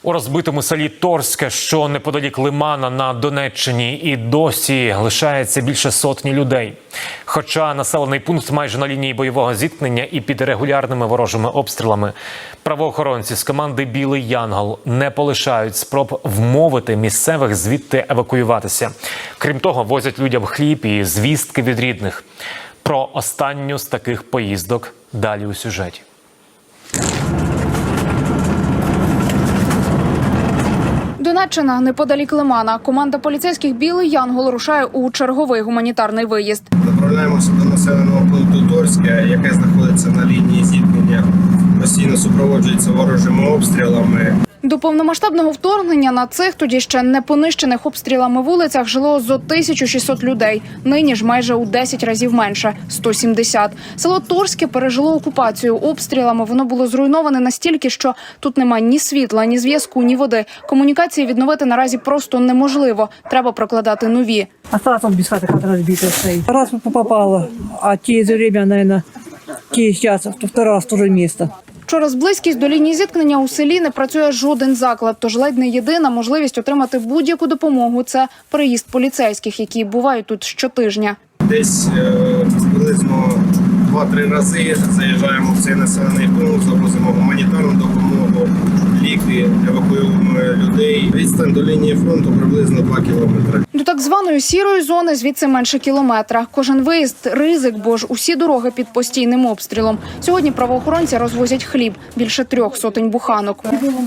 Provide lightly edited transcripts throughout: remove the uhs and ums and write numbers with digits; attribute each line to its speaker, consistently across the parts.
Speaker 1: У розбитому селі Торське, що неподалік Лимана на Донеччині, і досі лишається більше сотні людей. Хоча населений пункт майже на лінії бойового зіткнення і під регулярними ворожими обстрілами, правоохоронці з команди «Білий Янгол» не полишають спроб вмовити місцевих звідти евакуюватися. Крім того, возять людям хліб і звістки від рідних. Про останню з таких поїздок далі у сюжеті.
Speaker 2: Донеччина, неподалік Лимана. Команда поліцейських «Білий Янгол» рушає у черговий гуманітарний виїзд.
Speaker 3: Направляємося до населеного пункту Торське, яке знаходиться на лінії зіткнення. Постійно супроводжується ворожими обстрілами.
Speaker 2: До повномасштабного вторгнення на цих тоді ще не понищених обстрілами вулицях жило зо 1600 людей. Нині ж майже у 10 разів менше – 170. Село Торське пережило окупацію. Обстрілами воно було зруйноване настільки, що тут немає ні світла, ні зв'язку, ні води. Комунікації відновити наразі просто неможливо. Треба прокладати нові.
Speaker 4: Осталось он без хаты, хата разбитая стоит. Раз попало, а через время, наверное, через час, второй раз в то же место.
Speaker 2: Через близькість до лінії зіткнення у селі не працює жоден заклад, тож ледь не єдина можливість отримати будь-яку допомогу – це приїзд поліцейських, які бувають тут щотижня.
Speaker 3: Десь приблизно 2-3 рази заїжджаємо в цей населений пункт, завозимо гуманітарну допомогу, ліки, евакуюємо людей. Відстань до лінії фронту приблизно 2 кілометри.
Speaker 2: До так званої сірої зони звідси менше кілометра. Кожен виїзд – ризик, бо ж усі дороги під постійним обстрілом. Сьогодні правоохоронці розвозять хліб – більше 300 буханок.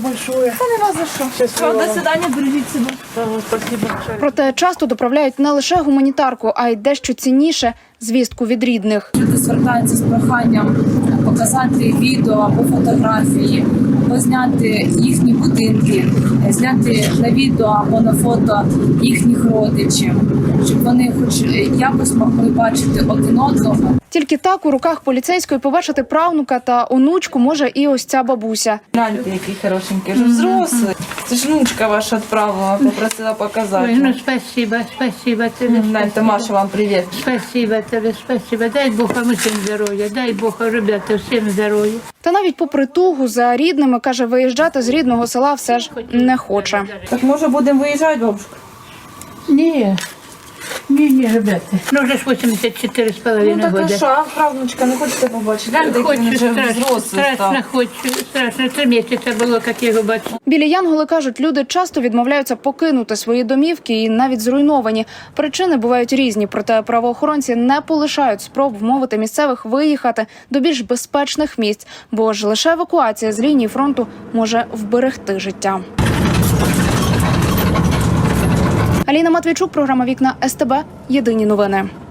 Speaker 5: До свидання, бережіть себе.
Speaker 2: Проте часто доправляють не лише гуманітарку, а й дещо цінніше – звістку від рідних.
Speaker 5: Люди звертаються з проханням показати відео або фотографії, або зняти їхні будинки, зняти на відео або на фото їхніх родичів, щоб вони хоч якось могли бачити один одного.
Speaker 2: Тільки так у руках поліцейської побачити правнука та онучку може і ось ця бабуся.
Speaker 6: Гляньте, який хорошенький, вже взрослий. Це ж внучка ваша відправила, попросила показати.
Speaker 7: Ой, ну спасибо, спасибо тебе.
Speaker 6: Гляньте, Маша, вам привіт.
Speaker 7: Спасибо тебе, спасибо. Дай Бог вам усім здоров'я, дай Бог, ребята, всім здоров'я.
Speaker 2: Та навіть попри тугу за рідними, каже, виїжджати з рідного села все ж не хоче.
Speaker 6: Так може будемо виїжджати, бабушка?
Speaker 7: Ні, ребята. Ну вже ж 84,5
Speaker 6: Ну так а
Speaker 7: года.
Speaker 6: що, правнучка, не хочете побачити? Гляньте, який він вже взрослий став.
Speaker 7: Страшно хочу, страшно. 3 місяці було, як я його бачу.
Speaker 2: Білі янголи кажуть, люди часто відмовляються покинути свої домівки і навіть зруйновані. Причини бувають різні, проте правоохоронці не полишають спроб вмовити місцевих виїхати до більш безпечних місць, бо ж лише евакуація з лінії фронту може вберегти життя. Аліна Матвійчук, програма «Вікна СТБ». Єдині новини.